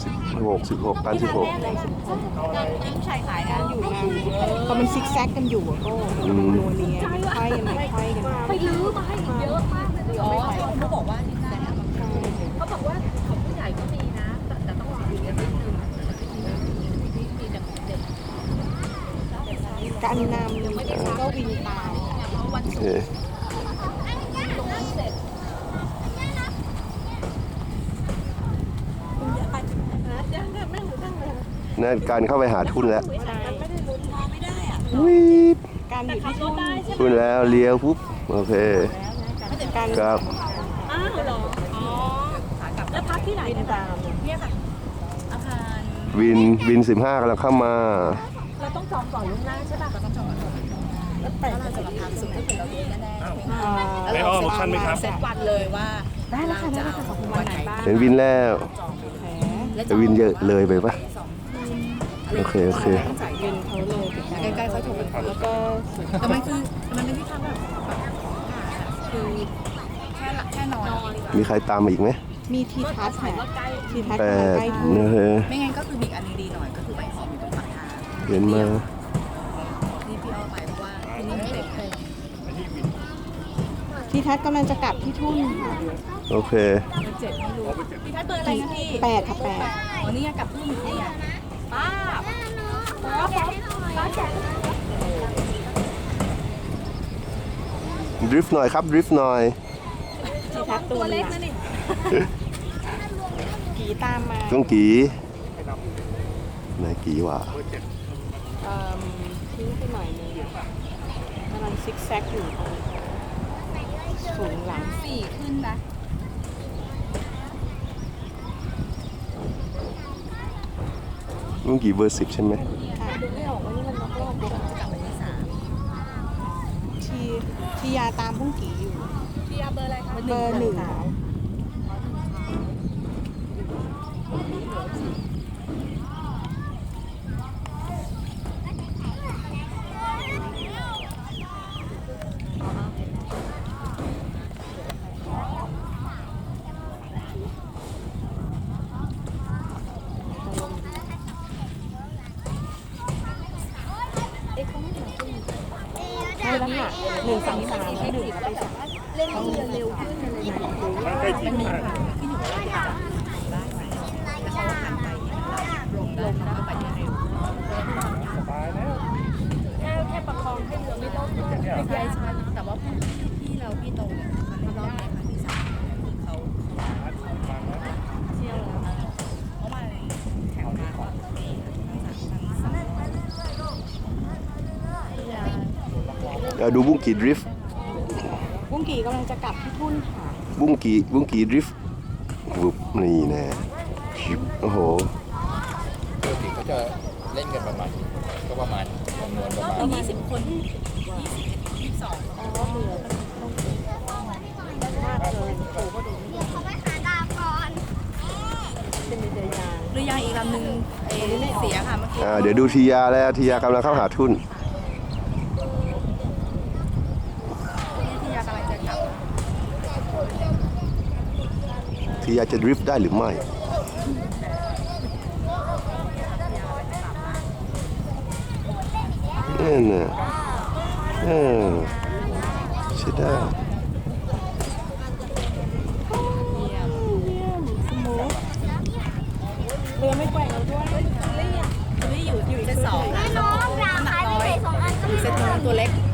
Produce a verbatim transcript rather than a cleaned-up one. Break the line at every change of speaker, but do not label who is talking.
สิบหกสิบหกตันสิบหก
ผู้ชายขายนะอยู่นะ
พอมันซิกแซกกันอยู่อะก็โนเนียมันค่อยกันไม่ค่อยกัน
ไปลื้อมาให้เยอะมากเลยอ๋อเขาบอกว่านี่แหละเขาบอกว่าของผู้ใหญ่ก็มีนะแต่แต่ต้องอยู่กันนิดนึงมีแต่เด็ก
การนำก็วินตาม
วัน
โอ
ศุ
เค
กร์ตรงนั้นเสร็จคุณจะไปนะยังไม่รู้ตั้งเลย
นั่นการเข้าไปหาทุนแล้ว
ไม่ได้ลุ้นไม่ได้อ่ะ
วิบ
การอยู่ที่ทุ่น
ทุนแล้วเลี้ยวปุ๊บโอเค
การ
ครับ
อ้าวเหรออ๋อแล้วพักที่ไหน
วินตาม
เนี่ยค่ะอาคาร
วินวินสิบห้ากำลังเข้ามา
เราต้องจองก่อนล่วงหน้าใช่ป่ะเราต้องจองก่อนแล้วแต่เราจะมาพักสุดก็คือเรารู้แน่ๆใช่ไหมคะ
ไม่อ้อมออปชั่นไหมครับ
เซตวันเลยว่า
ได้แล้วค่ะได้แล้วค่ะขอบคุณวันไหนบ้าง
เห็นวินแล้ว
แผล
แต่วินเยอะเลยไปปะโอเคโอเค
จ่าย
วินเขาเลยไป
ใกล้ๆเขาถูก
แล้วก็
แต่มันคือมันเป็นที่ทางแบบคือแค่หลักแค่นอน
มีใครตามมาอีกไหม
มีทีทัศน์แผลทีทัศน์
แป
กำลัง
ด
ใกล้ทุ่น
นะฮะ
ไม่งั้นก็คือมีอันนึงดีหน่อยก็คือใบหอมอยู่ตรงปากทาง
เห็นมา
นี่พี่เอาไปเพราะว่าที่นี่มีเด็กเลย
ทีทัศน์กำลังจะกลับที่ทุ่นค่ะ
โอเค
เจ็ดไม่รู้พี่ทัดเบอร์อะไรนะพี่
แปดค่ะแปด
วันนี้กลับทุ่มนี่ไงป้าป้าป้าแจก
ดริฟต์หน่อยครับดริฟต์หน่อย
ทีทัศน์ตัวเล็กนะนี่ผีตามมา
ต้องกี่ไหนกี่วะ
เอ่อทิ้งไปหน่อยนึงกำลังซิกแซกอยู่ตรงสูงหลัง
สี่ขึ้นนะ
ต้องกี่เบอร์สิบใช่ไหม
ค่ะ
ดูไม่ออกว่านี่มันล็อกรอบจะกลับไปที่สาม
ทีทียาตามพุ่งกี่อยู่
พี่อาเบอร์อะไรคะ
เบอร์หนึ่ง ใช่แล้วค่ะหนึ่งสองสามแล้วหนึ่งแล้วไปสาม
เล่นให้เร็วขึ้นอะไรอย่างเงี้ย
มันใกล้ถึงมาก
พี่หนูว่าจะได้ไหมแต่เขาว่าทางไกลเนี่ยลงได้แล้วก็ไปได้เร็ว
สบายแล้ว
แค่แค่ประคองให้เรือไม่ล่มไม่ใช่ใช่แต่ว่าพี่เราพี่โตเนี่ยมันไม่รอบในครั้งที่สามเขาเที่ยวแล้วเพราะมันแข่งมาก่อนปีทั้งสามครั้งสาม
เราดูบุ้งกี่ดริฟต์
พุ่งกี่กำลังจะกลับที่ทุ่นค่ะ
บุ้งกี่บุ้งกี่ดริฟต์วุบนี่แน่ชิบโอ้โห
ปกติเขาจะเล่นกันประมาณก็ประมาณจำนวนประมาณ
ยี่สิบคนยี่สิบยี่สิบสอง
อ๋อเหลือมากเลยโอ้ก็ดูเป็นเรือยาง
เรือยางอีกลำหนึ่งเอเสียค่ะเมื่อกี้
อ่าเดี๋ยวดูทียาแล้วทียากำลังเข้าหาทุน
ที่ยากำลังจะกลับ
ทียาจะดริฟต์ได้หรือไม่นั่นน่ะเออใช่ได้
เยี่ยมเยี่ยมสมูทเรือไม่แกว่งเราด้วย
นี่อยู่อยู่เซตสองน้องน้ำหนักน้อยอยู่เซตนู้นตัวเล็ก